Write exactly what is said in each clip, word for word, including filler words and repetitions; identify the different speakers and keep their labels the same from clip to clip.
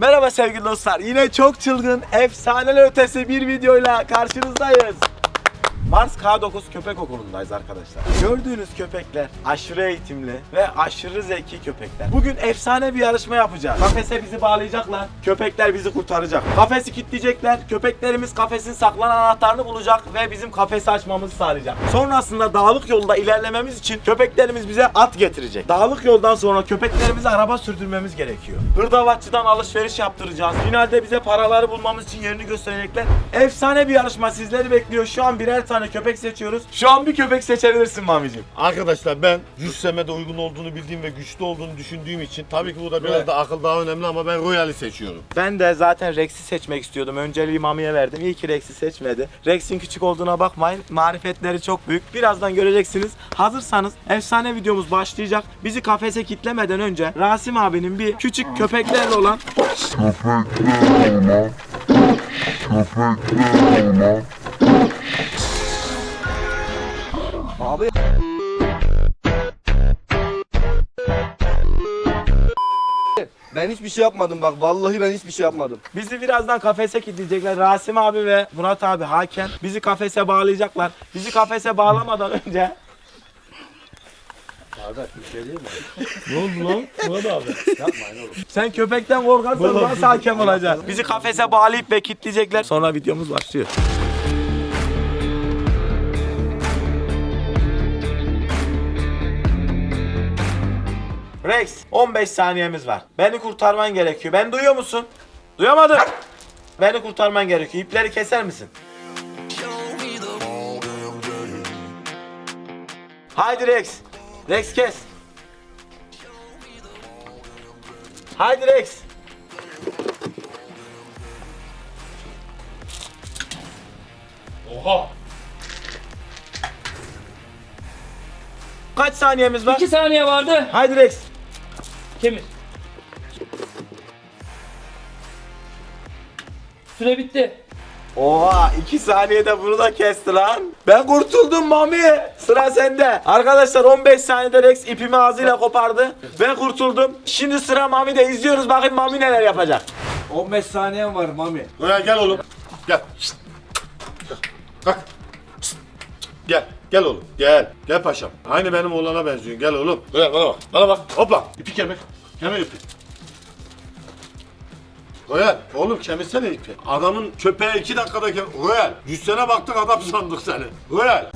Speaker 1: Merhaba sevgili dostlar. Yine çok çılgın, efsaneler ötesi bir videoyla karşınızdayız. Mars K dokuz Köpek Okulu'ndayız arkadaşlar. Gördüğünüz köpekler aşırı eğitimli ve aşırı zeki köpekler. Bugün efsane bir yarışma yapacağız. Kafese bizi bağlayacaklar, köpekler bizi kurtaracak. Kafesi kilitleyecekler, köpeklerimiz kafesin saklanan anahtarını bulacak ve bizim kafesi açmamızı sağlayacak. Sonrasında dağlık yolda ilerlememiz için köpeklerimiz bize at getirecek. Dağlık yoldan sonra köpeklerimize araba sürdürmemiz gerekiyor. Hırdavatçıdan alışveriş yaptıracağız. Finalde bize paraları bulmamız için yerini gösterecekler. Efsane bir yarışma sizleri bekliyor. Şu an birer tane köpek seçiyoruz. Şu an bir köpek seçebilirsin Mamicim.
Speaker 2: Arkadaşlar ben cüsseme de uygun olduğunu bildiğim ve güçlü olduğunu düşündüğüm için tabii ki burada biraz
Speaker 1: Evet.
Speaker 2: da akıl daha önemli ama ben Royal'i seçiyorum.
Speaker 1: Ben de zaten Rex'i seçmek istiyordum. Önceliği Mami'ye verdim. İyi ki Rex'i seçmedi. Rex'in küçük olduğuna bakmayın. Marifetleri çok büyük. Birazdan göreceksiniz. Hazırsanız efsane videomuz başlayacak. Bizi kafese kitlemeden önce Rasim abinin bir küçük köpeklerle olan
Speaker 3: Köpekler olma. Köpekler olma.
Speaker 1: Abi
Speaker 4: Ben hiçbir şey yapmadım bak, vallahi ben hiçbir şey yapmadım.
Speaker 1: bizi birazdan kafese kilitleyecekler. Rasim abi ve Murat abi hakem bizi kafese bağlayacaklar. Bizi kafese bağlamadan önce
Speaker 4: Kardeş bir şey değil mi?
Speaker 2: Ne oldu lan? Murat abi.
Speaker 4: Yapmayın oğlum.
Speaker 1: sen köpekten korkarsan nasıl hakem olacaksın? Bizi kafese bağlayıp ve kilitleyecekler. Sonra videomuz başlıyor. Rex, on beş saniyemiz var. Beni kurtarman gerekiyor. Beni duyuyor musun? Duyamadım. Beni kurtarman gerekiyor. İpleri keser misin? Haydi Rex. Rex kes. Haydi Rex.
Speaker 2: Oha.
Speaker 1: Kaç saniyemiz var?
Speaker 5: İki saniye vardı.
Speaker 1: Haydi Rex.
Speaker 5: Kemir. Süre bitti.
Speaker 1: Oha iki saniyede bunu da kesti lan. Ben kurtuldum Mami. Sıra sende. Arkadaşlar on beş saniyede Rex ipimi ağzıyla kopardı. Ben kurtuldum. Şimdi sıra Mami'de, izliyoruz bakayım Mami neler yapacak.
Speaker 4: on beş saniyem var Mami.
Speaker 2: Royal gel oğlum. Gel. Şşt. Kalk. Şşt. Gel. Gel oğlum. Gel. Gel paşam. Aynı benim oğlana benziyorsun. Gel oğlum. Royal bana bak. Bana bak. Hopla. İpi kemer. Kemer ipi. Royal, oğlum kemirsene ipi. Adamın köpeğe iki dakikada kem... Royal, cüssene baktık adam sandık seni. Royal.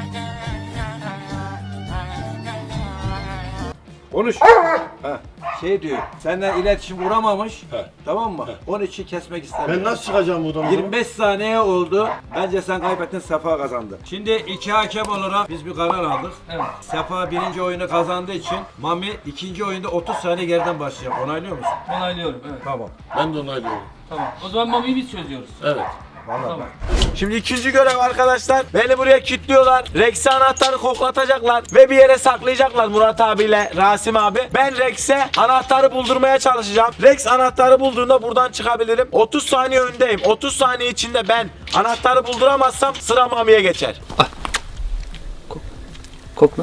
Speaker 4: Konuş. Ha, şey diyor, senden iletişim kuramamış.
Speaker 2: He.
Speaker 4: Tamam mı? Onun için kesmek istemiyor.
Speaker 2: Ben nasıl çıkacağım buradan?
Speaker 4: yirmi beş saniye oldu. Bence sen kaybettin, Sefa kazandı. Şimdi iki hakem olarak biz bir karar aldık.
Speaker 5: Evet.
Speaker 4: Sefa birinci oyunu kazandığı için Mami ikinci oyunda otuz saniye geriden başlayacak. Onaylıyor musun?
Speaker 5: Onaylıyorum. Evet.
Speaker 4: Tamam.
Speaker 2: Ben de onaylıyorum.
Speaker 5: Tamam. O zaman Mami'yi biz çözüyoruz.
Speaker 2: Evet.
Speaker 4: Vallahi
Speaker 5: Tamam.
Speaker 4: bak.
Speaker 1: Şimdi ikinci görev arkadaşlar. Beni buraya kilitliyorlar. Rex'e anahtarı koklatacaklar ve bir yere saklayacaklar Murat abiyle Rasim abi. Ben Rex'e anahtarı buldurmaya çalışacağım. Rex anahtarı bulduğunda buradan çıkabilirim. otuz saniye öndeyim. otuz saniye içinde ben anahtarı bulduramazsam sıra Mami'ye geçer.
Speaker 5: Kokla.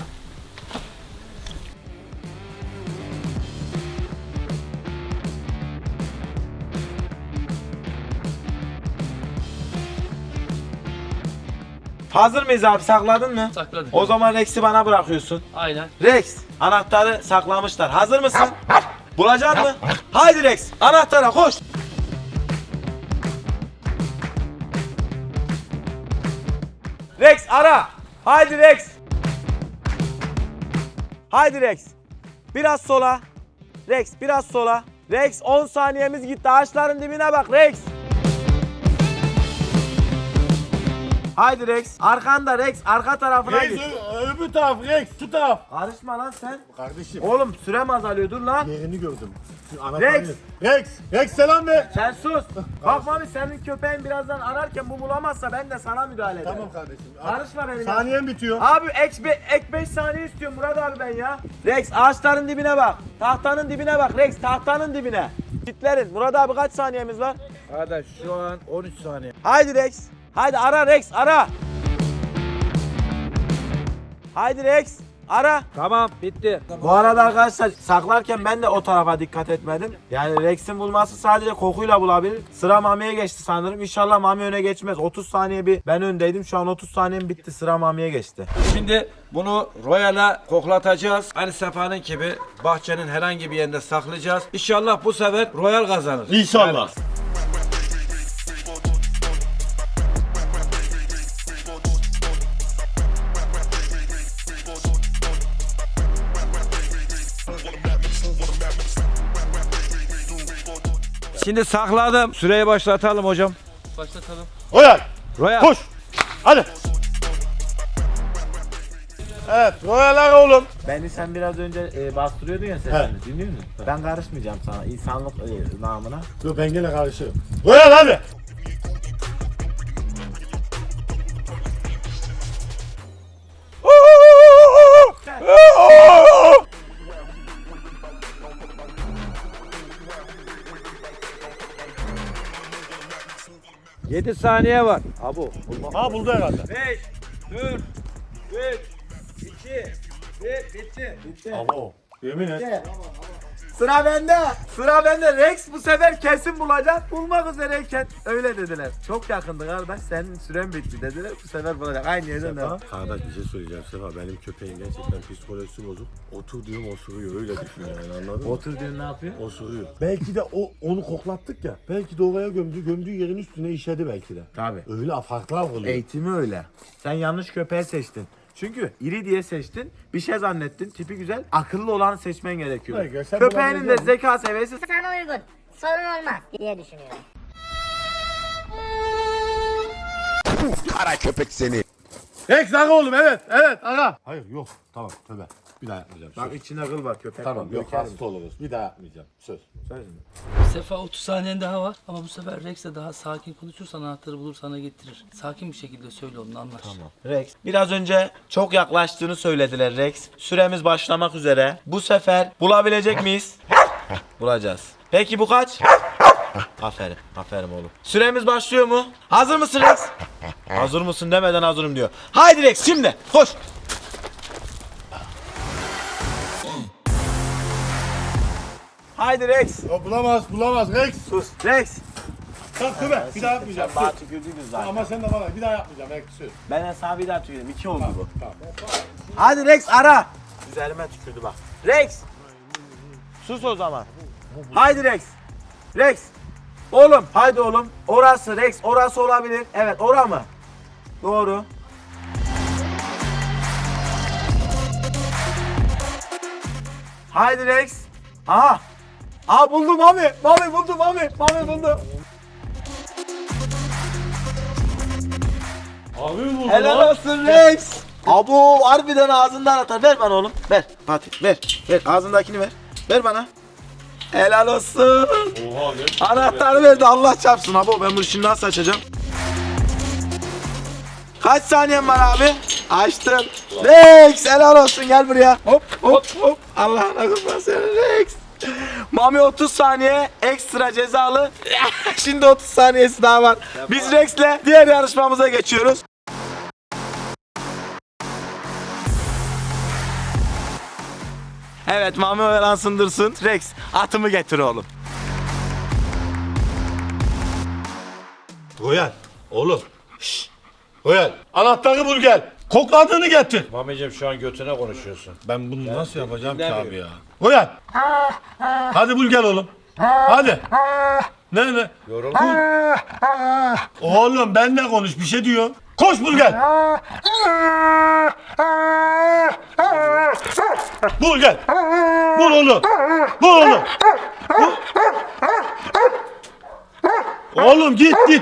Speaker 1: Hazır mıyız abi, sakladın mı?
Speaker 5: Sakladık.
Speaker 1: O zaman Rex'i bana bırakıyorsun.
Speaker 5: Aynen.
Speaker 1: Rex, anahtarı saklamışlar. Hazır mısın? Bulacak mı? Haydi Rex, anahtara koş. Rex ara. Haydi Rex. Haydi Rex. Biraz sola. Rex biraz sola. Rex on saniyemiz gitti. Ağaçların dibine bak Rex. Haydi Rex. Arkanda Rex. Arka tarafına
Speaker 2: Rex,
Speaker 1: git.
Speaker 2: ö- öbür taraf Rex, şu taraf.
Speaker 1: Karışma lan sen.
Speaker 2: Kardeşim,
Speaker 1: Oğlum sürem azalıyor, dur lan.
Speaker 2: yerini gördüm. Şu
Speaker 1: Rex.
Speaker 2: Rex, Rex selam ver.
Speaker 1: Sen sus. Bak Mami, senin köpeğin birazdan ararken bu bulamazsa ben de sana müdahale ederim.
Speaker 2: Tamam kardeşim.
Speaker 1: Karışma benim.
Speaker 2: Saniyem bitiyor.
Speaker 1: Abi ek, be, ek beş saniye istiyorum Murat abi ben ya. Rex ağaçların dibine bak. Tahtanın dibine bak Rex, tahtanın dibine. Kitlerin. Murat abi kaç saniyemiz var?
Speaker 4: Kardeş şu an on üç saniye.
Speaker 1: Haydi Rex. Haydi ara Rex, ara. Haydi Rex. Ara.
Speaker 4: Tamam bitti.
Speaker 1: Bu arada arkadaşlar saklarken ben de o tarafa dikkat etmedim. Yani Rex'in bulması sadece kokuyla bulabilir. Sıra Mami'ye geçti sanırım. İnşallah Mami öne geçmez. otuz saniye bir ben öndeydim. Şu an otuz saniyem bitti. Sıra Mami'ye geçti.
Speaker 4: Şimdi bunu Royal'a koklatacağız. Aynı Sefa'nın gibi bahçenin herhangi bir yerinde saklayacağız. İnşallah bu sefer Royal kazanır.
Speaker 2: İnşallah.
Speaker 4: Şimdi sakladım. Süreyi başlatalım hocam.
Speaker 5: Başlatalım.
Speaker 2: Royal.
Speaker 4: Royal.
Speaker 2: Koş. Hadi. Evet, Royal'a oğlum.
Speaker 1: Beni sen biraz önce e, bastırıyordun ya sesini. Dinliyor musun? Ben karışmayacağım sana. İnsanlık e, namına.
Speaker 2: Dur ben gene karışırım. Royal hadi.
Speaker 4: yedi saniye var. Abu.
Speaker 2: Ha buldu herhalde.
Speaker 4: beş, dört, üç, iki, bir, bitti.
Speaker 1: Bitti.
Speaker 2: Abo. Yemin et.
Speaker 1: Sıra bende. Sıra bende. Rex bu sefer kesin bulacak. Bulmak üzereyken öyle dediler. Çok yakındı kardeş. Senin süren bitti dediler. Bu sefer bulacak. Aynı yerden devam.
Speaker 2: Kardeş bir şey söyleyeceğim Sefa. Benim köpeğim gerçekten psikolojisi bozuk. Otur diyorum osuruyor. Öyle düşün yani anladın mı?
Speaker 1: Otur diyor ne yapıyor?
Speaker 2: Osuruyor. Belki de o onu koklattık ya. Belki de oraya gömdü. Gömdüğü yerin üstüne işedi belki de.
Speaker 1: Tabii.
Speaker 2: Öyle farklar oluyor.
Speaker 1: Eğitimi öyle. Sen yanlış köpeği seçtin. Çünkü iri diye seçtin, bir şey zannettin, tipi güzel, akıllı olanı seçmen gerekiyor.
Speaker 2: Hayır, sen
Speaker 1: Köpeğinin de
Speaker 2: bulabilecek
Speaker 1: zeka seviyesi
Speaker 6: Sana uygun. Sorun olmaz diye düşünüyorum.
Speaker 3: Kara köpek seni.
Speaker 2: Rex aga oğlum evet evet aga. Hayır yok tamam tövbe. Bir daha yapmayacağım.
Speaker 1: Bak
Speaker 2: Söz.
Speaker 1: içine kıl var köpek.
Speaker 2: Tamam
Speaker 1: var,
Speaker 2: yok
Speaker 1: dökerim.
Speaker 2: hasta oluruz. Bir daha yapmayacağım. Söz.
Speaker 1: Söz mü?
Speaker 5: Sefa otuz saniyen daha var ama bu sefer Rex'le daha sakin konuşursan anahtarı bulur sana getirir. Sakin bir şekilde söyle onu anlaş. Tamam.
Speaker 1: Rex. Biraz önce çok yaklaştığını söylediler Rex. Süremiz başlamak üzere. Bu sefer bulabilecek miyiz? Bulacağız. Peki bu kaç? Aferin. Aferin oğlum. Süremiz başlıyor mu? Hazır mısın Rex? Hazır mısın demeden hazırım diyor. Haydi Rex şimdi koş. Haydi Rex.
Speaker 2: O bulamaz bulamaz Rex.
Speaker 1: Sus. Rex.
Speaker 2: Tamam tövbe bir daha yapmayacağım.
Speaker 1: Sen bana
Speaker 2: Söz.
Speaker 1: tükürdüydün zaten.
Speaker 2: Ama sen de bana bir daha yapmayacağım Rex söz.
Speaker 1: Ben sana bir daha tükürdüm. İki oldu bu.
Speaker 2: Tamam.
Speaker 1: Hadi Rex ara. Üzerime tükürdü bak. Rex. Sus o zaman. Haydi Rex. Rex. Oğlum haydi oğlum. Orası Rex. Orası olabilir. Evet ora mı? Doğru. Haydi Rex. Aha. Aa buldum Mami. Mami buldum Mami. Mami buldum.
Speaker 2: Abi mi buldun
Speaker 1: Helal olsun Rex. Abo harbiden ağzından atar. Ver bana oğlum. Ver. Fatih ver. Ver ağzındakini ver. Ver bana. Helal olsun.
Speaker 2: Oha ne?
Speaker 1: Anahtarı verdi Allah çarpsın abo. Ben bunu şimdi nasıl açacağım? Kaç saniyen var abi? Açtım. Rex helal olsun gel buraya. Hop hop hop. Allah'ına kurban seni Rex. Mami otuz saniye ekstra cezalı. Şimdi otuz saniyesi daha var. Biz Rex'le diğer yarışmamıza geçiyoruz. Evet Mami oyalansın dursun. Rex atımı getir oğlum.
Speaker 2: Royal oğlum. Şşş. Royal anahtarı bul gel. Kokladığını getir.
Speaker 4: Mamicim şu an götüne konuşuyorsun.
Speaker 2: Ben bunu nasıl yapacağım ki
Speaker 4: dinlemiyorum.
Speaker 2: abi ya? Royal. Hadi bul gel oğlum. Hadi. Ne ne?
Speaker 4: Yoruldum.
Speaker 2: Oğlum benle konuş bir şey diyor. Koş bul gel. Bul gel. Bul oğlum. Bul oğlum. Bul. Oğlum git git.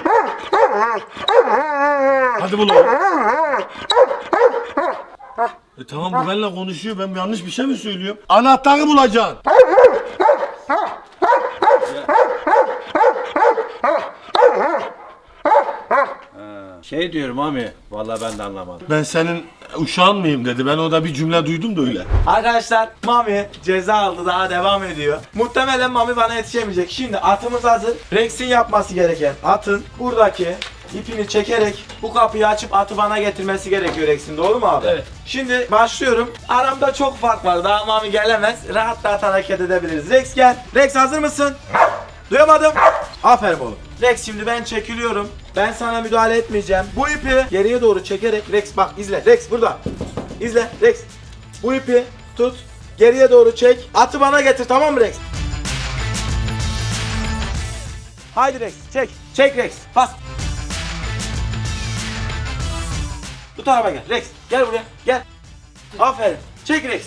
Speaker 2: Hadi bul oğlum. E tamam bu benimle konuşuyor. Ben yanlış bir şey mi söylüyorum? Anahtarı bulacaksın.
Speaker 4: Şey diyorum Mami. Vallahi ben de anlamadım.
Speaker 2: Ben senin uşağın mıyım dedi. Ben orada bir cümle duydum da öyle.
Speaker 1: Arkadaşlar Mami ceza aldı daha devam ediyor. Muhtemelen Mami bana yetişemeyecek. Şimdi atımız hazır. Rex'in yapması gereken atın buradaki ipini çekerek bu kapıyı açıp atı bana getirmesi gerekiyor Rex'in, doğru mu abi?
Speaker 5: Evet.
Speaker 1: Şimdi başlıyorum. Aramda çok fark var. Daha Mami gelemez. Rahat rahat hareket edebiliriz. Rex gel. Rex hazır mısın? Duyamadım. Aferin oğlum. Rex şimdi ben çekiliyorum. Ben sana müdahale etmeyeceğim. Bu ipi geriye doğru çekerek Rex bak izle. Rex burada. İzle Rex. Bu ipi tut. Geriye doğru çek. Atı bana getir, tamam mı Rex? Haydi Rex çek. Çek Rex. Bas. Bu tarafa gel. Rex gel buraya. Gel. Aferin. Çek Rex.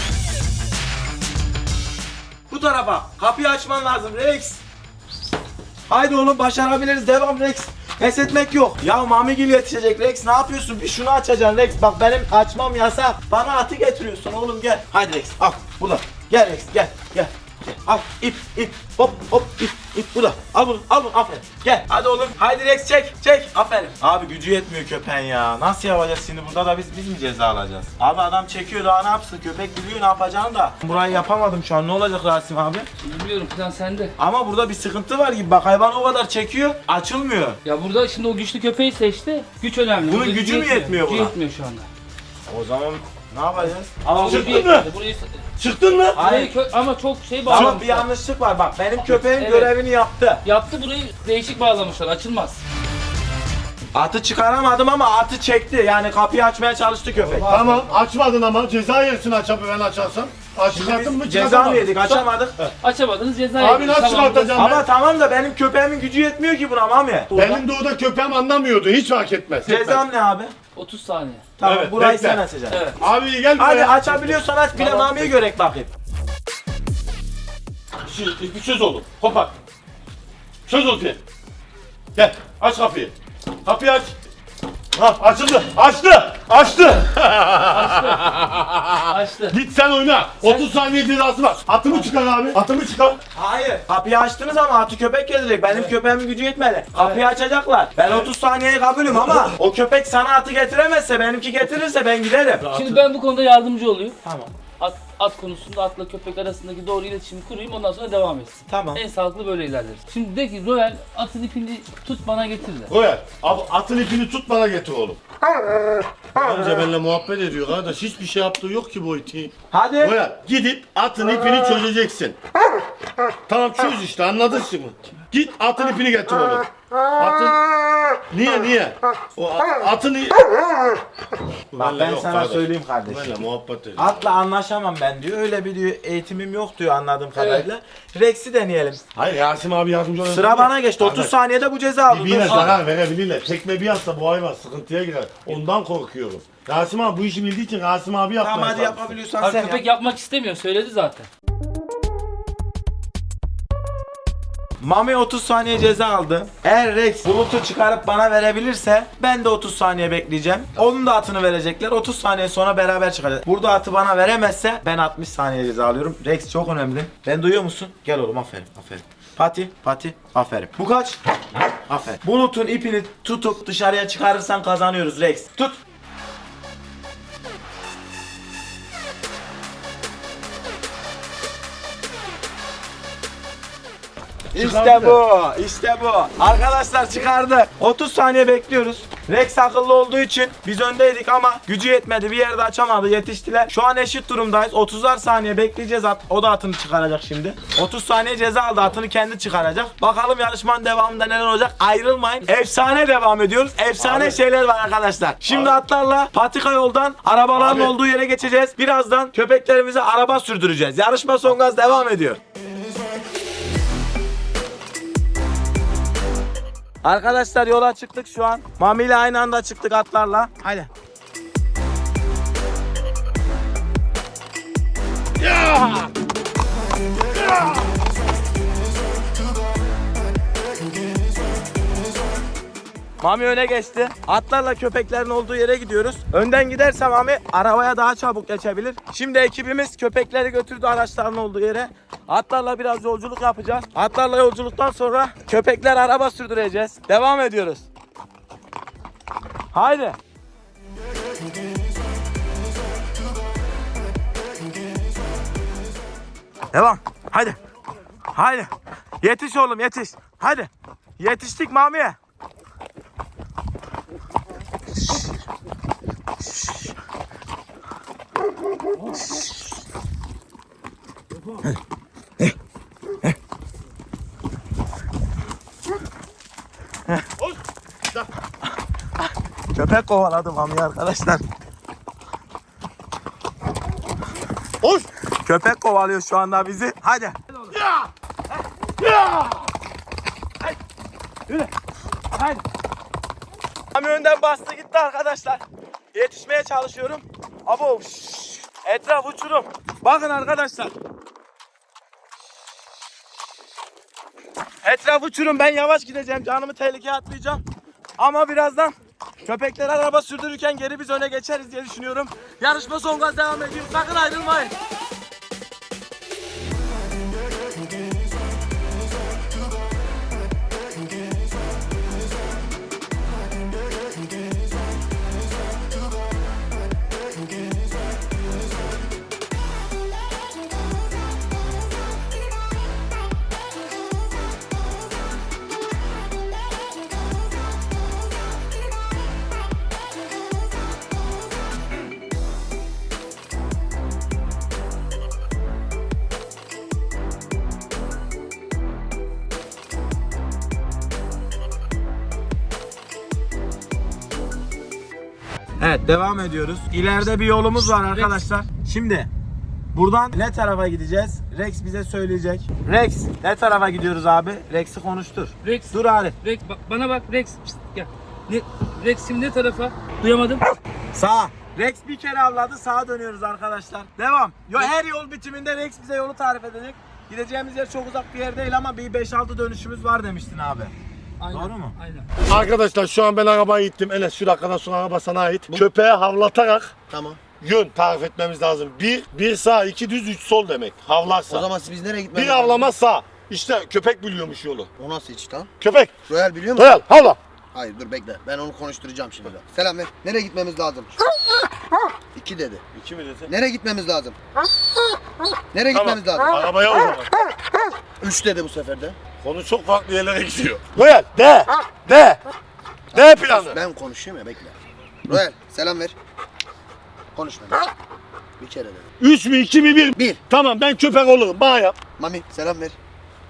Speaker 1: Bu tarafa. Kapıyı açman lazım Rex. Haydi oğlum başarabiliriz. Devam Rex. Pes etmek yok. Ya Mamigil yetişecek Rex. Ne yapıyorsun? Bir şunu açacaksın Rex. Bak benim açmam yasak. Bana atı getiriyorsun oğlum, gel. Haydi Rex. Al. Burada. Gel Rex. Gel. Gel. Gel. Al. İp. ip. Hop. Hop. İp. İp. Burada. Al bunu. Al bunu. Aferin. Gel. Hadi oğlum. Haydi Rex çek. Çek. Aferin. Abi gücü yetmiyor köpeğin ya. Nasıl yapacağız şimdi? Burada da biz biz mi ceza alacağız? Abi adam çekiyor, daha ne yapsın? Köpek biliyor ne yapacağını da. Burayı yapamadım şu an. Ne olacak Rasim abi?
Speaker 5: Bilmiyorum, plan sende.
Speaker 1: Ama burada bir sıkıntı var gibi. Bak hayvan o kadar çekiyor. Açılmıyor.
Speaker 5: Ya burada şimdi o güçlü köpeği seçti. Güç önemli.
Speaker 1: Bunun
Speaker 5: Burada
Speaker 1: gücü mü yetmiyor
Speaker 5: Gücü
Speaker 1: buna?
Speaker 5: yetmiyor şu anda.
Speaker 1: O zaman ne yapacağız?
Speaker 5: Ama
Speaker 2: Çıktın
Speaker 5: gücü
Speaker 2: mı?
Speaker 5: yetmedi. Burayı...
Speaker 2: Çıktın mı?
Speaker 1: Hayır.
Speaker 5: Burayı kö- ama çok şey
Speaker 1: Ama
Speaker 5: bağlamışlar.
Speaker 1: bir yanlışlık var bak. Benim köpeğim
Speaker 5: Evet.
Speaker 1: görevini yaptı.
Speaker 5: Yaptı, burayı değişik bağlamışlar. Açılmaz.
Speaker 1: Atı çıkaramadım ama atı çekti. Yani kapıyı açmaya çalıştı köpek.
Speaker 2: Tamam açmadın ama ceza yersin açabı ben açarsam. Aç çıkarttın mı
Speaker 1: Biz ceza mı
Speaker 2: çıkartamadın.
Speaker 1: yedik? Açamadık.
Speaker 5: Açamadınız, ceza
Speaker 2: Abi
Speaker 5: yediniz.
Speaker 2: nasıl
Speaker 5: Tamam,
Speaker 2: çıkartacağım
Speaker 1: Ama
Speaker 2: ben?
Speaker 1: tamam da benim köpeğimin gücü yetmiyor ki buna Mami.
Speaker 2: Benim de orada köpeğim anlamıyordu hiç fark etmez.
Speaker 1: Cezam ne abi?
Speaker 5: otuz saniye.
Speaker 1: Tamam
Speaker 2: Evet,
Speaker 1: burayı
Speaker 2: bekle.
Speaker 1: sen açacaksın.
Speaker 5: Evet.
Speaker 2: Abi gel
Speaker 1: Hadi
Speaker 2: buraya.
Speaker 1: açabiliyorsan aç, bir de
Speaker 5: Tamam.
Speaker 1: Mami'yi görek bakayım.
Speaker 2: Şimdi bir söz oldu. Hopak. Söz oldu. Gel aç kapıyı. Kapıyı aç. Ha açıldı. Açtı. Açtı.
Speaker 5: Açtı.
Speaker 2: Git sen oyna. otuz saniye cezası var. Atımı çıkar abi. Atımı çıkar.
Speaker 1: Hayır. Kapıyı açtınız ama atı köpek gelecek. Benim köpeğimin gücü yetmedi. Kapıyı açacaklar. Ben otuz saniyeye kabulüm ama o köpek sana atı getiremezse, benimki getirirse ben giderim.
Speaker 5: Şimdi ben bu konuda yardımcı olayım.
Speaker 1: Tamam.
Speaker 5: At, at konusunda atla köpek arasındaki doğru iletişimi kurayım, ondan sonra devam etsin.
Speaker 1: Tamam.
Speaker 5: En sağlıklı böyle ilerleriz. Şimdi de ki Royal atın ipini tut bana getir de.
Speaker 2: Koyar. Abi atın ipini tut bana getir oğlum. Önce benimle muhabbet ediyor kardeş. Hiçbir şey yaptığı yok ki bu iti.
Speaker 1: Hadi.
Speaker 2: Koyar. Gidip atın ipini çözeceksin. Tamam çöz işte anladın şimdi. Git atın ipini getir oğlum. Atın... Niye niye? O a- atın... i-
Speaker 1: Bak
Speaker 2: Benimle
Speaker 1: ben
Speaker 2: yok
Speaker 1: sana
Speaker 2: kardeş.
Speaker 1: söyleyeyim kardeşim.
Speaker 2: Benimle muhabbet ediyor.
Speaker 1: Atla anlaşamam ben diyor. Öyle bir diyor eğitimim yok diyor anladığım kadarıyla. Rex'i deneyelim.
Speaker 2: Hayır Yasim abi yardımcı olabilir.
Speaker 1: Sıra bana geçti. otuz
Speaker 2: Kardeş,
Speaker 1: saniyede bu ceza aldı.
Speaker 2: Birbirine
Speaker 1: Dur.
Speaker 2: zarar verebilirler. Tekme bir atsa bu hayvan sıkıntıya girer. Ondan korkuyorum. Rasim abi bu işi bildiği için Rasim abi yapmaya
Speaker 1: Tamam hadi
Speaker 2: çalışsın.
Speaker 1: yapabiliyorsan
Speaker 5: Abi
Speaker 1: sen
Speaker 5: köpek
Speaker 1: yap.
Speaker 5: yapmak istemiyor, söyledi zaten.
Speaker 1: Mami otuz saniye ceza aldı. Eğer Rex bulutu çıkarıp bana verebilirse ben de otuz saniye bekleyeceğim. Onun da atını verecekler. otuz saniye sonra beraber çıkacağız. Burada atı bana veremezse ben altmış saniye ceza alıyorum. Rex çok önemli. Ben duyuyor musun? Gel oğlum, aferin aferin. Pati pati aferin. Bu kaç? Aferin. Bulutun ipini tutup dışarıya çıkarırsan kazanıyoruz Rex. Tut. İşte bu, işte bu. Arkadaşlar çıkardık. otuz saniye bekliyoruz. Rex akıllı olduğu için biz öndeydik ama gücü yetmedi. Bir yerde açamadı, yetiştiler. Şu an eşit durumdayız. otuzar saniye bekleyeceğiz. At, o da atını çıkaracak şimdi. otuz saniye ceza aldı. Atını kendi çıkaracak. Bakalım yarışmanın devamında neler olacak. Ayrılmayın. Efsane devam ediyoruz. Efsane
Speaker 2: Abi.
Speaker 1: şeyler var arkadaşlar. Şimdi atlarla patika yoldan arabaların
Speaker 2: Abi.
Speaker 1: olduğu yere geçeceğiz. Birazdan köpeklerimize araba sürdüreceğiz. Yarışma son gaz devam ediyor. Arkadaşlar yola çıktık şu an. Mami ile aynı anda çıktık atlarla. Haydi. Mami öne geçti. Atlarla köpeklerin olduğu yere gidiyoruz. Önden giderse Mami arabaya daha çabuk geçebilir. Şimdi ekibimiz köpekleri götürdü araçların olduğu yere. Atlarla biraz yolculuk yapacağız. Atlarla yolculuktan sonra köpekler araba sürdüreceğiz. Devam ediyoruz. Haydi. Devam. Haydi. Haydi. Yetiş oğlum yetiş. Haydi. Yetiştik Mami'ye. Köpek kovaladı Mami'yi arkadaşlar.
Speaker 2: Hoş.
Speaker 1: Köpek kovalıyor şu anda bizi. Hadi.
Speaker 2: Ya! Ya!
Speaker 1: Haydi. Mami önden bastı gitti arkadaşlar. Yetişmeye çalışıyorum. Abo. şşş. Etraf uçurum. Bakın arkadaşlar. Etraf uçurum. Ben yavaş gideceğim. Canımı tehlikeye atmayacağım. Ama birazdan köpekler araba sürdürürken geri biz öne geçeriz diye düşünüyorum. Yarışma son gaz devam ediyor. Sakın ayrılmayın. Evet, devam ediyoruz. İleride bir yolumuz var arkadaşlar. Şimdi buradan ne tarafa gideceğiz? Rex bize söyleyecek. Rex, ne tarafa gidiyoruz abi? Rex'i konuştur.
Speaker 5: Rex.
Speaker 1: Dur Arif.
Speaker 5: Rex bak, bana bak Rex. Pişt, gel. Ne, Rex şimdi ne tarafa? Duyamadım.
Speaker 1: Sağa. Rex bir kere avladı. Sağa dönüyoruz arkadaşlar. Devam. Yo, her yol bitiminde Rex bize yolu tarif edecek. Gideceğimiz yer çok uzak bir yer değil ama bir beş altı dönüşümüz var demiştin abi.
Speaker 5: Aynen.
Speaker 1: Doğru mu?
Speaker 5: Aynen.
Speaker 2: Arkadaşlar şu an ben arabayı ittim. Enes şu dakikadan sonra araba sana ait. Köpeğe havlatarak
Speaker 7: Tamam.
Speaker 2: yön tarif etmemiz lazım. Bir, bir sağ, iki düz, üç sol demek. Havlarsa.
Speaker 7: O zaman biz nereye gitmemiz
Speaker 2: Bir avlama sağ. İşte köpek biliyormuş yolu.
Speaker 7: O nasıl hiç lan?
Speaker 2: Köpek.
Speaker 7: Royal biliyor musun?
Speaker 2: Royal havla.
Speaker 7: Hayır dur bekle. Ben onu konuşturacağım şimdi. Selam ver. Nereye gitmemiz lazım? İki dedi.
Speaker 2: İki mi dedi?
Speaker 7: Nereye gitmemiz lazım? Nereye
Speaker 2: Tamam.
Speaker 7: gitmemiz lazım?
Speaker 2: Arabaya o zaman.
Speaker 7: Üç dedi bu sefer de.
Speaker 2: Konu çok farklı yerlere gidiyor. Royal de. De. De planı.
Speaker 7: Ben konuşuyorum ya bekle. Royal selam ver. Konuşma. Bir kere dedi.
Speaker 2: Üç mü iki mi bir?
Speaker 7: Bir.
Speaker 2: Tamam ben köpek olurum. Bana yap.
Speaker 7: Mami selam ver.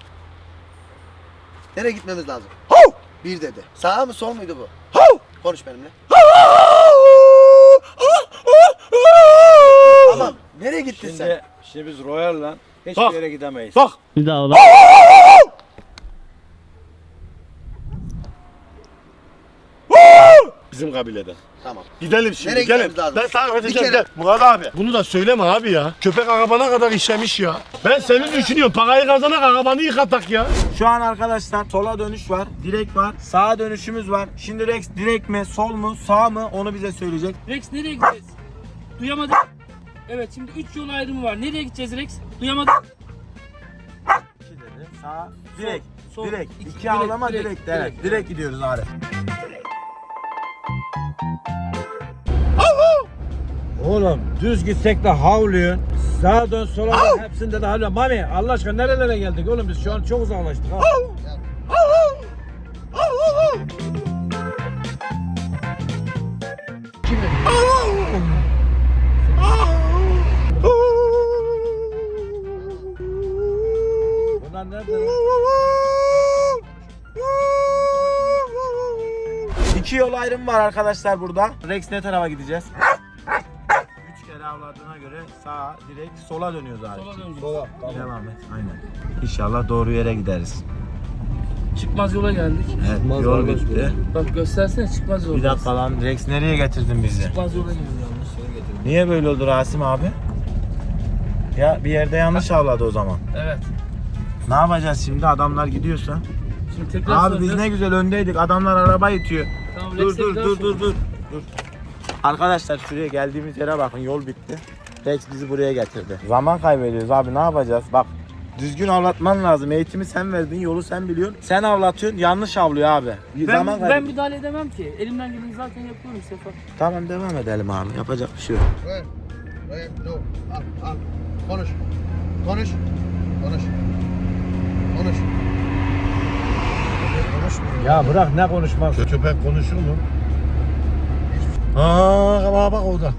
Speaker 7: Nereye gitmemiz lazım?
Speaker 2: Hav.
Speaker 7: Bir dedi. Sağ mı sol muydu bu?
Speaker 2: Hav.
Speaker 7: Konuş benimle. Tamam. Nereye gittin sen?
Speaker 4: Şimdi, şimdi biz Royal'la hiçbir
Speaker 2: Bak.
Speaker 4: yere gidemeyiz.
Speaker 2: Bak.
Speaker 5: Bir daha al.
Speaker 2: Bizim kabileden.
Speaker 7: Tamam.
Speaker 2: Gidelim şimdi
Speaker 7: Nereye
Speaker 2: gelin.
Speaker 7: gitmemiz lazım?
Speaker 2: Ben tarif
Speaker 7: Bir
Speaker 2: edeceğim
Speaker 7: kere-
Speaker 2: gel. Murat abi. Bunu da söyleme abi ya. Köpek arabana kadar işlemiş ya. Ben seni düşünüyorum. Parayı kazanak arabanı yıkatak ya.
Speaker 1: Şu an arkadaşlar sola dönüş var, direk var, sağa dönüşümüz var. Şimdi Rex direk mi, sol mu, sağ mı onu bize söyleyecek.
Speaker 5: Rex nereye gideceğiz? Duyamadım. Evet şimdi üç yol ayrımı var. Nereye gideceğiz Rex? Duyamadım.
Speaker 1: İki dedi. Sağ, direk,
Speaker 5: sol,
Speaker 1: direk.
Speaker 5: iki,
Speaker 1: İki
Speaker 5: direk,
Speaker 1: avlama
Speaker 5: direk,
Speaker 1: direk,
Speaker 5: direk,
Speaker 1: evet.
Speaker 5: direk.
Speaker 1: Direk gidiyoruz Arif.
Speaker 4: Oğlum düz gitsek de havlıyorsun. Sağa dön sola dön hepsinde de havlıyorsun. Mami Allah aşkına nerelere geldik oğlum biz şu an çok uzaklaştık ha. Bunlar nerede lan?
Speaker 1: İki yol ayrımı var arkadaşlar burada. Rex ne tarafa gideceğiz? Üç kere avladığına göre sağa, direkt sola dönüyoruz Arif.
Speaker 5: Sola döneceğiz.
Speaker 4: Sola. Tamam.
Speaker 1: Devam et. Aynen. İnşallah doğru yere gideriz.
Speaker 5: Çıkmaz yola geldik.
Speaker 1: Evet,
Speaker 4: Çıkmaz
Speaker 1: yol
Speaker 4: yola
Speaker 1: bitti.
Speaker 4: gidiyoruz.
Speaker 5: Bak göstersene çıkmaz yola.
Speaker 1: Bir dakika lan Rex nereye getirdin bizi?
Speaker 5: Çıkmaz yola gidiyoruz.
Speaker 1: Niye böyle oldu Rasim abi? Ya bir yerde yanlış avladı o zaman.
Speaker 5: Evet.
Speaker 1: Ne yapacağız şimdi adamlar gidiyorsa?
Speaker 5: Şimdi tekrar
Speaker 1: Abi biz
Speaker 5: soracağız.
Speaker 1: ne güzel öndeydik. Adamlar araba itiyor.
Speaker 5: Tamam,
Speaker 1: Dur
Speaker 5: Rex'e
Speaker 1: dur
Speaker 5: bir daha
Speaker 1: dur
Speaker 5: sor.
Speaker 1: dur dur. Dur. Arkadaşlar şuraya geldiğimiz yere bakın. Yol bitti. Rex bizi buraya getirdi. Zaman kaybediyoruz abi ne yapacağız? Bak düzgün avlatman lazım. Eğitimi sen verdin, yolu sen biliyorsun. Sen avlatıyorsun, yanlış avlıyor abi. Bir
Speaker 5: Ben,
Speaker 1: zaman
Speaker 5: ben
Speaker 1: kaybı-
Speaker 5: müdahale edemem ki. Elimden geleni zaten yapıyorum Sefa.
Speaker 1: Tamam devam edelim abi. Yapacak bir şey yok.
Speaker 7: Royal. Royal dur. Al al. Konuş. Konuş. Konuş. Konuş. Konuşmuyor.
Speaker 4: Ya bırak ne konuşmak.
Speaker 2: Köpek konuşur mu? Aa bak bak orada.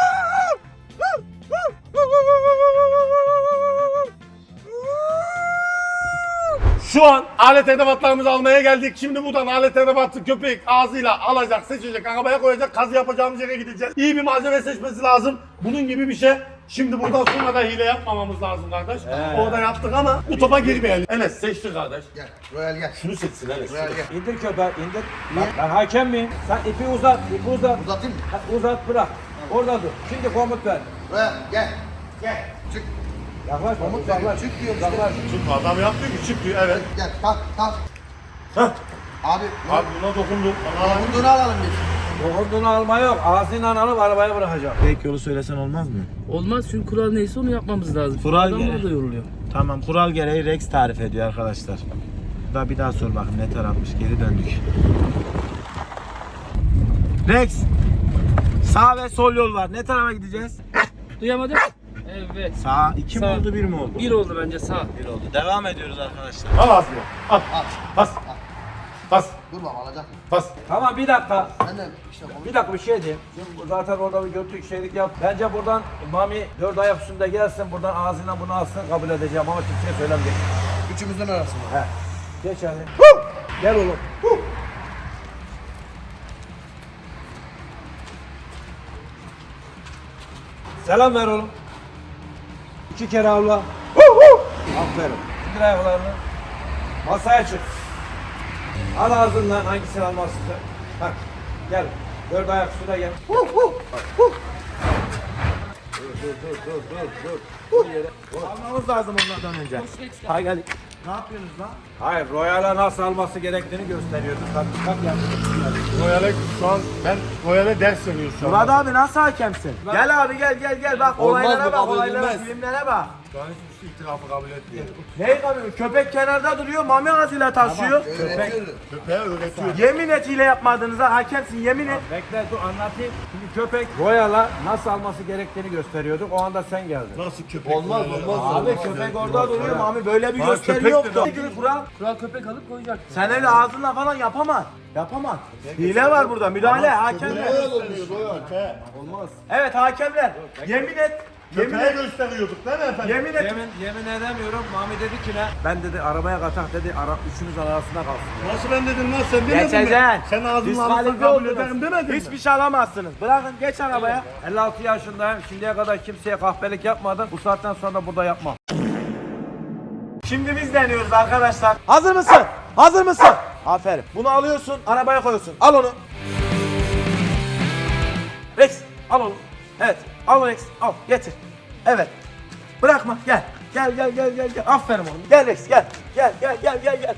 Speaker 2: Şu an alet edevatlarımızı almaya geldik. Şimdi buradan alet edevatı köpek ağzıyla alacak, seçecek, arabaya koyacak, kazı yapacağımız yere gideceğiz. İyi bir malzeme seçmesi lazım. Bunun gibi bir şey. Şimdi buradan sonra da hile yapmamamız lazım kardeş. Orada yaptık ama bu topa girmeyelim. Enes seçti kardeş.
Speaker 7: Gel Royal gel.
Speaker 2: Şunu seçsin Enes.
Speaker 7: Royal gel.
Speaker 4: İndir köpeği indir. Bak, ben hakem miyim? Sen ipi uzat, ipi uzat.
Speaker 7: Uzatayım mı?
Speaker 4: Ha, uzat bırak. Orada dur. Şimdi komut ver.
Speaker 7: Royal gel. Gel. Çık.
Speaker 4: Yaklaş,
Speaker 7: Komut
Speaker 4: uzaklaş.
Speaker 7: veriyorum. Çık diyorum işte.
Speaker 4: Uzaklaş.
Speaker 2: Çık adam yaptı ki çık diyor evet.
Speaker 7: Gel kalk kalk.
Speaker 2: Hah.
Speaker 7: Abi.
Speaker 2: Abi buna dokundum. Ana.
Speaker 7: Dokunduğunu alalım biz.
Speaker 4: Dokunduğunu alma yok. Ağzıyla alıp arabaya bırakacağım.
Speaker 1: Tek yolu söylesen olmaz mı?
Speaker 5: Olmaz çünkü kural neyse onu yapmamız lazım.
Speaker 1: Kural
Speaker 5: Adamlar
Speaker 1: gereği.
Speaker 5: da yoruluyor.
Speaker 1: Tamam, kural gereği Rex tarif ediyor arkadaşlar. Da bir daha sor bakayım ne tarafmış, geri döndük. Rex, sağ ve sol yol var. Ne tarafa gideceğiz?
Speaker 5: Duyamadım. Evet.
Speaker 1: Sağ. iki mi
Speaker 5: Sağ.
Speaker 1: oldu, bir mi oldu?
Speaker 5: Bir oldu bence sağ.
Speaker 1: Bir oldu. Devam ediyoruz arkadaşlar.
Speaker 2: Al ağzını. Al.
Speaker 7: Al.
Speaker 2: Pas. Pas.
Speaker 7: Dur baba alacak mı?
Speaker 2: Pas.
Speaker 4: Tamam bir dakika.
Speaker 7: Ben de işte komut.
Speaker 4: Bir dakika bir şey diyeyim. Şimdi zaten orada bir götürük şeylik yap. Bence buradan Mami dört ayak üstünde gelsin. Buradan ağzından bunu alsın kabul edeceğim ama kimseye söylemeyecek.
Speaker 7: Üçümüzden arasında.
Speaker 4: He. Geç hadi. Gel oğlum. Selam ver oğlum. İki kere avla. Aferin. İndir ayaklarını. Masaya çık. Al ağzından hangisini almak istiyorsun? Bak gel. Dört ayak üstüne gel. Dur dur dur dur dur dur. Bu yere.
Speaker 1: Almamız lazım onlardan önce. Hay gel. Ne yapıyorsunuz lan?
Speaker 4: Hayır, Royal'a nasıl alması gerektiğini gösteriyoruz. Bak, bak yani.
Speaker 2: Royal'e şu an ben Royal'e ders veriyorum şu an.
Speaker 1: Murat abi nasıl hakemsin? Gel abi gel gel gel bak
Speaker 7: Olmaz
Speaker 1: olaylara
Speaker 7: bu,
Speaker 1: bak
Speaker 7: kabul
Speaker 1: olaylara
Speaker 7: edilmez.
Speaker 1: filmlere bak.
Speaker 2: Şu an hiçbir şey itirafı kabul etmiyor.
Speaker 1: Neyi kabul? Köpek kenarda duruyor, mami ağzıyla taşıyor.
Speaker 7: Öğretiyorum.
Speaker 2: Köpeğe öğretiyor.
Speaker 1: Yemin et hile yapmadığınıza hakemsin, yemin et.
Speaker 4: Bekle dur anlatayım. Şimdi köpek Royal'a nasıl alması gerektiğini gösteriyorduk. O anda sen geldin.
Speaker 2: Nasıl köpek?
Speaker 7: Olmaz,
Speaker 2: Royal'e-
Speaker 7: olmaz.
Speaker 1: Abi köpek orada duruyor, mami böyle bir
Speaker 2: Bak,
Speaker 1: gösteri
Speaker 2: köpek
Speaker 1: yoktu.
Speaker 2: dedi.
Speaker 1: Gibi kural.
Speaker 5: Kural köpek alıp koyacak.
Speaker 1: Sen öyle ağzınla falan yapamaz. Yapamaz. Hile var burada, müdahale, hakemler.
Speaker 7: Royal olmuyor Royal.
Speaker 1: Olmaz. Evet hakemler. Yemin et. Yemin
Speaker 2: Köpeğe
Speaker 1: et.
Speaker 2: gösteriyorduk değil mi efendim?
Speaker 1: Yemin et.
Speaker 4: Yemin, yemin edemiyorum. Mami dedi ki ne? Ben dedi arabaya katak dedi. Ara, üçümüz arasında kalsın.
Speaker 2: Nasıl ben dedim lan sen demedin mi?
Speaker 1: Geçeceksin.
Speaker 2: Sen ağzını alırsan
Speaker 1: Diskalifiye
Speaker 2: kabul
Speaker 1: oldunuz.
Speaker 2: ederim demedin mi?
Speaker 1: Hiçbir şey alamazsınız. Bırakın geç arabaya.
Speaker 4: elli altı yaşındayım. Şimdiye kadar kimseye kahpelik yapmadım. Bu saatten sonra da burada yapmam.
Speaker 1: Şimdi biz deniyoruz arkadaşlar. Hazır mısın? Hazır mısın? Aferin. Bunu alıyorsun, arabaya koyuyorsun. Al onu. Rex, al onu. Evet, al Rex, al, getir. Evet. Bırakma, gel. Gel, gel, gel, gel, gel. Aferin oğlum. Gel Rex, gel. Gel, gel, gel, gel, gel.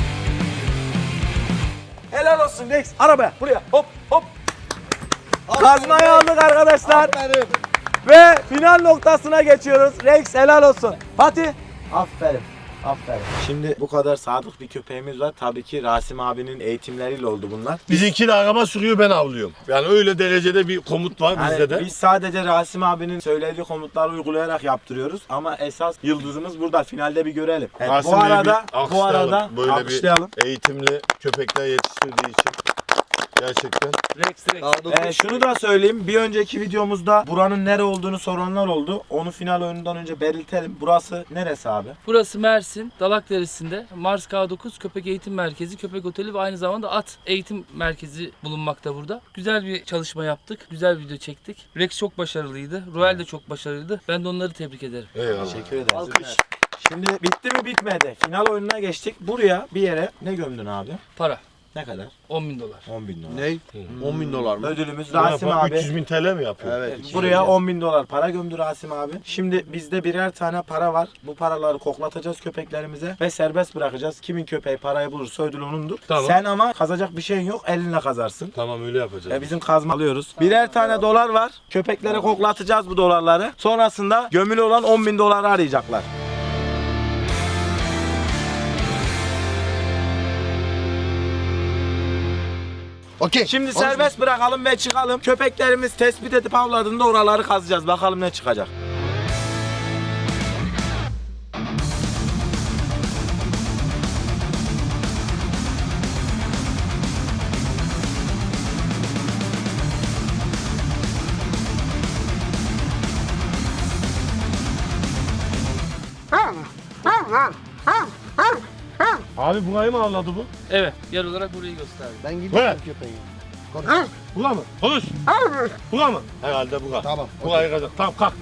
Speaker 1: Helal olsun Rex. Arabaya, buraya. Hop, hop. Kazmayı aldık arkadaşlar.
Speaker 7: Aferin.
Speaker 1: Ve final noktasına geçiyoruz. Rex helal olsun. Fatih. Aferin. Aferin. Şimdi bu kadar sadık bir köpeğimiz var. Tabii ki Rasim abinin eğitimleriyle oldu bunlar.
Speaker 2: Bizimki de araba sürüyor ben avlıyorum. Yani öyle derecede bir komut var
Speaker 1: Yani
Speaker 2: bizde de.
Speaker 1: biz sadece Rasim abinin söylediği komutları uygulayarak yaptırıyoruz ama esas yıldızımız burada. Finalde bir görelim. Evet,
Speaker 2: Rasim
Speaker 1: bu
Speaker 2: Bey'i bir
Speaker 1: arada bu
Speaker 2: alkışlayalım.
Speaker 1: arada
Speaker 2: böyle
Speaker 1: alkışlayalım.
Speaker 2: bir eğitimli köpekler yetiştirdiği için. Gerçekten.
Speaker 5: Rex Rex.
Speaker 7: Daha dokuz.
Speaker 1: Ee, şunu da söyleyeyim. Bir önceki videomuzda buranın nere olduğunu soranlar oldu. Onu final oyunundan önce belirtelim. Burası neresi abi?
Speaker 5: Burası Mersin, Dalak Deresi'nde Mars K dokuz Köpek Eğitim Merkezi, Köpek Oteli ve aynı zamanda at eğitim merkezi bulunmakta burada. Güzel bir çalışma yaptık, güzel bir video çektik. Rex çok başarılıydı, Royal de çok başarılıydı. Ben de onları tebrik ederim.
Speaker 2: Eyvallah.
Speaker 1: Teşekkür ederiz. Şimdi bitti mi bitmedi. Final oyununa geçtik. Buraya bir yere ne gömdün abi?
Speaker 5: Para,
Speaker 1: Ne kadar?
Speaker 5: on bin dolar.
Speaker 1: on bin dolar.
Speaker 7: Ne? on bin dolar mı?
Speaker 1: Ödülümüz
Speaker 2: Ne
Speaker 1: Rasim
Speaker 2: yapar?
Speaker 1: abi.
Speaker 2: üç yüz bin T L mi yapıyor?
Speaker 7: Evet.
Speaker 1: Buraya on bin dolar para gömdü Rasim abi. Şimdi bizde birer tane para var. Bu paraları koklatacağız köpeklerimize ve serbest bırakacağız. Kimin köpeği parayı bulursa ödül onundur.
Speaker 2: Tamam.
Speaker 1: Sen ama kazacak bir şeyin yok. Elinle kazarsın.
Speaker 2: Tamam öyle yapacağız.
Speaker 1: E bizim kazma alıyoruz. Birer tane dolar var. Köpeklere koklatacağız bu dolarları. Sonrasında gömülü olan on bin doları arayacaklar.
Speaker 7: Okey.
Speaker 1: Şimdi serbest bırakalım ve çıkalım. Köpeklerimiz tespit edip avladığında oraları kazacağız. Bakalım ne çıkacak.
Speaker 2: Abi burayı mı avladı bu?
Speaker 5: Evet, yer olarak burayı gösterdi.
Speaker 7: Ben gidiyorum
Speaker 2: Evet.
Speaker 7: köpeği.
Speaker 2: Bura mı? Konuş. Bura mı? Herhalde bura.
Speaker 7: Tamam.
Speaker 2: Burayı kazak. Tamam kalk.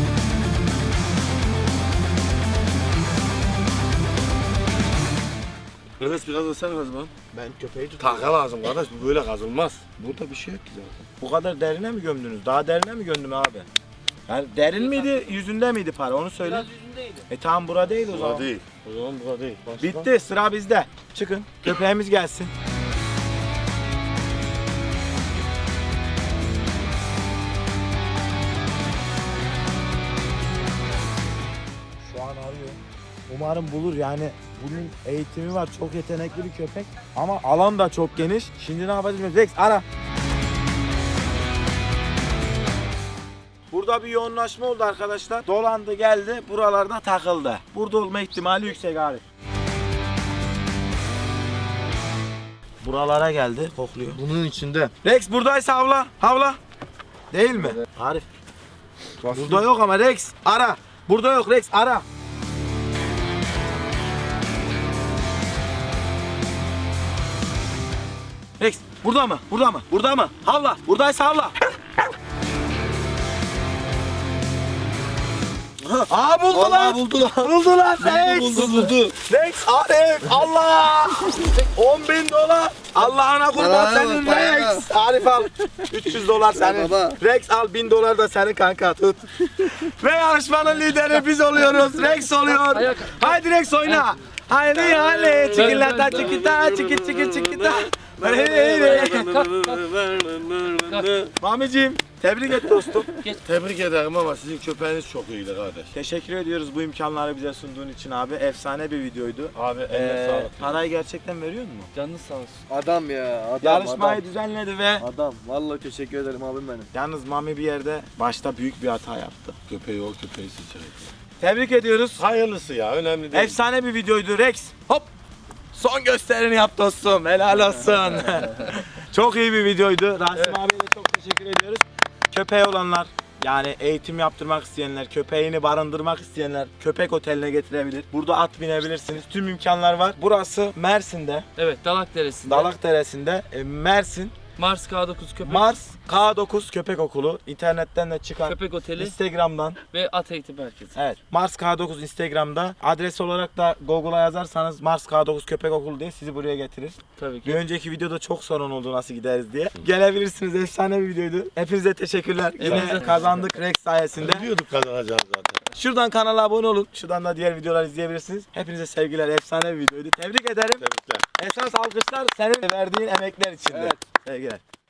Speaker 1: Enes biraz ısır o zaman.
Speaker 7: Ben köpeği tutuyorum.
Speaker 2: Taka lazım kardeş. Bu böyle kazılmaz. Burada bir şey yok ki zaten.
Speaker 1: Bu kadar derine mi gömdünüz? Daha derine mi gömdüm abi? Yani derin miydi, yüzünde miydi para? Onu söyle.
Speaker 5: Biraz yüzündeydi.
Speaker 1: E tamam bura değil o
Speaker 2: Bura
Speaker 1: zaman.
Speaker 2: değil. O zaman bura değil. Başka?
Speaker 1: Bitti, sıra bizde. Çıkın, köpeğimiz gelsin. Şu an arıyor. Umarım bulur yani. Bunun eğitimi var, çok yetenekli bir köpek. Ama alan da çok geniş. Şimdi ne yapacağız? Rex ara. Burada bir yoğunlaşma oldu arkadaşlar. Dolandı geldi, buralarda takıldı. Burada olma ihtimali yüksek Arif. Buralara geldi, kokluyor.
Speaker 7: Bunun içinde.
Speaker 1: Rex buradaysa havla, havla. Değil mi? Arif. Burada yok ama Rex, ara. Burada yok Rex, ara. Rex, burada mı? Burada mı? Burada mı? Havla, buradaysa havla. Aa buldular.
Speaker 7: Vallahi buldular.
Speaker 1: Buldular Rex.
Speaker 7: Buldu buldu.
Speaker 1: Rex Arif Allah. on bin dolar. Allah'ına kurban
Speaker 7: Paraya
Speaker 1: senin
Speaker 7: bak, paraya.
Speaker 1: Rex. Arif al. üç yüz dolar senin.
Speaker 7: baba.
Speaker 1: Rex al bin dolar da senin kanka tut. Ve yarışmanın lideri biz oluyoruz. Rex oluyor.
Speaker 5: Ayak-
Speaker 1: Haydi Rex oyna. Haydi haydi. Çikilata çikita çiki çiki çikita. Mamicim tebrik et dostum.
Speaker 2: Tebrik ederim ama sizin köpeğiniz çok iyiydi kardeş.
Speaker 1: Teşekkür ediyoruz bu imkanları bize sunduğun için abi. Efsane bir videoydu.
Speaker 2: Abi eline
Speaker 1: Ee,
Speaker 2: sağlık.
Speaker 1: parayı gerçekten veriyor mu?
Speaker 5: Canınız sağ olsun.
Speaker 7: Adam ya. Adam,
Speaker 1: Yarışmayı
Speaker 7: adam.
Speaker 1: düzenledi ve
Speaker 7: Adam. Vallahi teşekkür ederim abim benim.
Speaker 1: yalnız Mami bir yerde başta büyük bir hata yaptı.
Speaker 2: Köpeği o köpeği seçerek.
Speaker 1: Tebrik ediyoruz.
Speaker 2: Hayırlısı ya önemli değil.
Speaker 1: Efsane bir videoydu Rex. Hop. Son gösterini yap dostum. Helal olsun. Çok iyi bir videoydu. Rasim abiye de çok teşekkür ediyoruz. Köpeği olanlar yani eğitim yaptırmak isteyenler, köpeğini barındırmak isteyenler köpek oteline getirebilir. Burada at binebilirsiniz. Tüm imkanlar var. Burası Mersin'de,
Speaker 5: Evet, Dalak Deresi'nde.
Speaker 1: Dalak Deresi'nde. E, Mersin,
Speaker 5: Mars K dokuz Köpek,
Speaker 1: Mars K dokuz Köpek Okulu. İnternetten de çıkan,
Speaker 5: Köpek Oteli
Speaker 1: Instagram'dan.
Speaker 5: ve At Eğitim Merkezi.
Speaker 1: Evet. Mars K dokuz Instagram'da. Adres olarak da Google'a yazarsanız Mars K dokuz Köpek Okulu diye sizi buraya getirir.
Speaker 5: Tabii
Speaker 1: Bir
Speaker 5: ki.
Speaker 1: önceki videoda çok sorun oldu nasıl gideriz diye. Gelebilirsiniz. Efsane bir videoydu. Hepinize teşekkürler. Yine
Speaker 5: Hepinize-
Speaker 1: kazandık Rex sayesinde.
Speaker 2: Biliyorduk kazanacağız zaten.
Speaker 1: Şuradan kanala abone olun. Şuradan da diğer videoları izleyebilirsiniz. Hepinize sevgiler. Efsane bir videoydu. Tebrik ederim.
Speaker 2: Tebrikler.
Speaker 1: Esas alkışlar senin verdiğin emekler için.
Speaker 7: Evet.
Speaker 1: Sevgiler.